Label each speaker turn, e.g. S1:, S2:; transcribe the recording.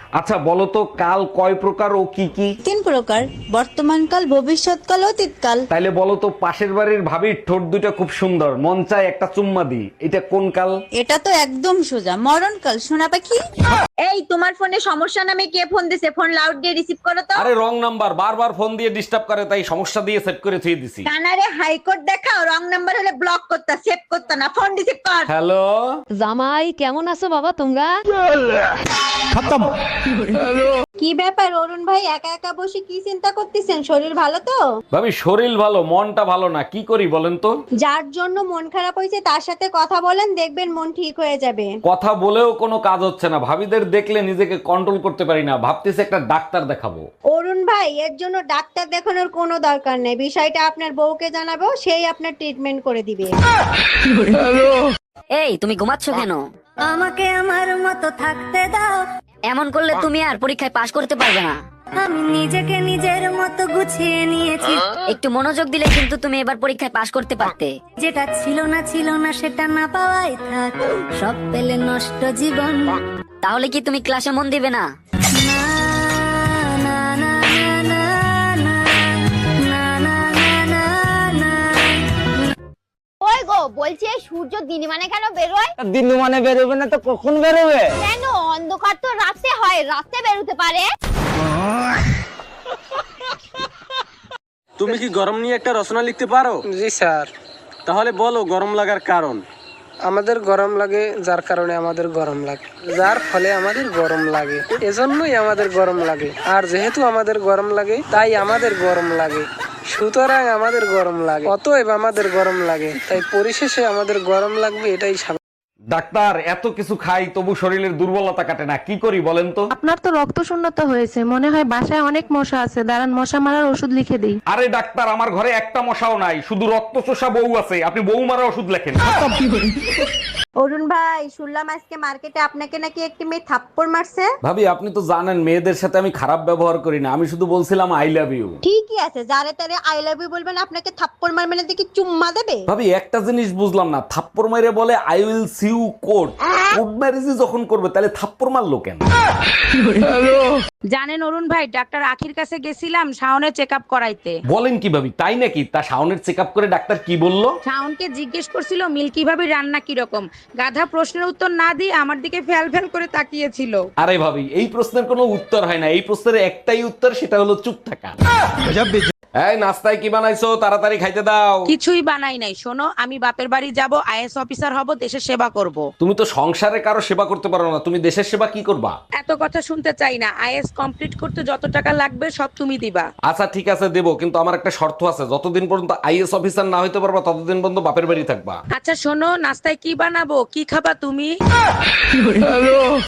S1: আচ্ছা বলো তো কাল কয় প্রকার ও কি কি?
S2: 3 প্রকার, বর্তমানকাল, ভবিষ্যৎকাল, অতীতকাল।
S1: তাইলে বলো তো পাশের বাড়ির ভাবির ঠোঁট দুটো খুব সুন্দর, মন চায় একটা চুম্মা দি, এটা কোন কাল?
S2: এটা তো একদম সোজা, মরণকাল। সোনা পাখি,
S3: এই তোমার ফোনে সমস্যা নামে কে ফোন দিছে? ফোন লাউড দিয়ে রিসিভ করো তো।
S1: আরে রং নাম্বার, বারবার ফোন দিয়ে ডিস্টার্ব করে, তাই সমস্যা দিয়ে সেট করে থুয়ে দিছি।
S3: কানারে হাইকোর্ট দেখাও, রং নাম্বার হলে ব্লক করতা, সেভ করতা না, ফোন রিসিভ কর।
S1: হ্যালো।
S4: জামাই কেমন আছো বাবা তোমরা?
S2: কি ব্যাপার অরুণ ভাই, একা একা বসে কি চিন্তা করতেছেন? শরীর ভালো তো?
S1: ভাবি শরীর ভালো, মনটা ভালো না, কি করি বলেন তো?
S2: যার জন্য মন খারাপ হয়েছে তার সাথে কথা বলেন, দেখবেন মন ঠিক হয়ে যাবে।
S1: কথা বলেও কোনো কাজ হচ্ছে না, ভাবিদের দেখলে নিজেকে কন্ট্রোল করতে পারি না, ভাবতেছি একটা ডাক্তার দেখাবো।
S2: অরুণ ভাই, এর জন্য ডাক্তার দেখানোর কোনো দরকার নেই। বিষয়টা আপনার বউকে জানাবো, সেই আপনার ট্রিটমেন্ট করে দিবে।
S4: এই তুমি ঘুমাচ্ছ কেন?
S2: আমাকে আমার মতো থাকতে দাও,
S4: এমন করলে তুমি আর পরীক্ষায় পাশ করতে পারবে না।
S2: আমি নিজেকে নিজের মতো গুছিয়ে নিয়েছি।
S4: একটু মনোযোগ দিলে কিন্তু তুমি এবার পরীক্ষায় পাশ করতে পারতে।
S2: যেটা ছিল না সেটা না পাওয়াই থাক, সব পেলে নষ্ট জীবন।
S4: তাহলে কি তুমি ক্লাসে মন দিবে না?
S2: না, না, না, না, না, না, না, না, না, না।
S3: ওই গো, বলছি এই সূর্য দিন মানে কেন বেরোয়?
S5: দিন মানে বেরোবে না তো কখন বেরোবে?
S3: কেন? অন্ধকার তো রাতে হয়, রাতে বেরোতে পারে।
S6: তুমি কি গরম নিয়ে একটা রচনা লিখতে পারো?
S5: জি স্যার।
S6: তাহলে বলো গরম লাগার কারণ।
S5: আমাদের গরম লাগে যার কারণে আমাদের গরম লাগে, যার ফলে আমাদের গরম লাগে, এজন্যই আমাদের গরম লাগে। আর যেহেতু আমাদের গরম লাগে তাই আমাদের গরম লাগে, সুতরাং আমাদের গরম লাগে, অতএব আমাদের গরম লাগে, তাই পরিশেষে আমাদের গরম লাগবে, এটাই স্বাভাবিক।
S1: ডাক্তার এত কিছু খাই তবু শরীরের দুর্বলতা কাটে না, কি করি বলেন তো?
S7: আপনার তো রক্ত শূন্যতা হয়েছে, মনে হয় বাসায় অনেক মশা আছে, দাঁড়ান মশা মারার ওষুধ লিখে দিই।
S1: আরে ডাক্তার আমার ঘরে একটা মশাও নাই, শুধু রক্ত চোষা বউ আছে, আপনি বউ মারা ওষুধ লেখেন।
S2: অরুণ ভাই, শুনলাম আজকে মার্কেটে আপনাকে নাকি একটি মেয়ে থাপ্পড় মারছে।
S1: ভাবি আপনি তো জানেন মেয়েদের সাথে আমি খারাপ ব্যবহার করি না, আমি শুধু বলছিলাম আই লাভ ইউ।
S2: ঠিকই আছে, যারে তারে আই লাভ ইউ বলবেন, আপনাকে থাপ্পড় মারবে না দেখি চুম্মা দেবে?
S1: ভাবি একটা জিনিস বুঝলাম না, থাপ্পড় মাইরে বলে I will see you court, court ম্যারেজই যখন করবে তাহলে থাপ্পড় মারলো কেন?
S7: জানেন অরুণ ভাই, ডাক্তার আখির কাছে গেছিলাম শাওনের চেক আপ করাইতে।
S1: বলেন কি ভাবি, তাই নাকি? তা শাওনের চেক আপ করে ডাক্তার কি বললো?
S7: শাওনকে জিজ্ঞেস করছিল মিল্কি ভাবি রান্না কিরকম। গাধা প্রশ্নের উত্তর না দিয়ে আমার দিকে ফ্যাল ফ্যাল করে তাকিয়েছিল।
S1: আরে ভাবি এই প্রশ্নের কোনো উত্তর হয় না, এই প্রশ্নের একটাই উত্তর, সেটা হলো চুপ থাকা। এই নাস্তায় কি বানাইছো, তাড়াতাড়ি খাইতে দাও।
S7: কিছুই বানাই নাই। শোনো, আমি বাপের বাড়ি যাব, আইএস অফিসার হব, দেশের সেবা করব।
S1: তুমি তো সংসারে কারো সেবা করতে পারো না, তুমি দেশের সেবা কি করবা?
S7: এত কথা শুনতে চাই না। আইএস কমপ্লিট করতে যত টাকা লাগবে সব তুমি দিবা।
S1: আচ্ছা ঠিক আছে দেবো, কিন্তু আমার একটা শর্ত আছে, যতদিন পর্যন্ত আইএস অফিসার না হইতে পারবা ততদিন পর্যন্ত বাপের বাড়ি থাকবা।
S7: আচ্ছা শোনো, নাস্তায় কি বানাবো, কি খাবা তুমি?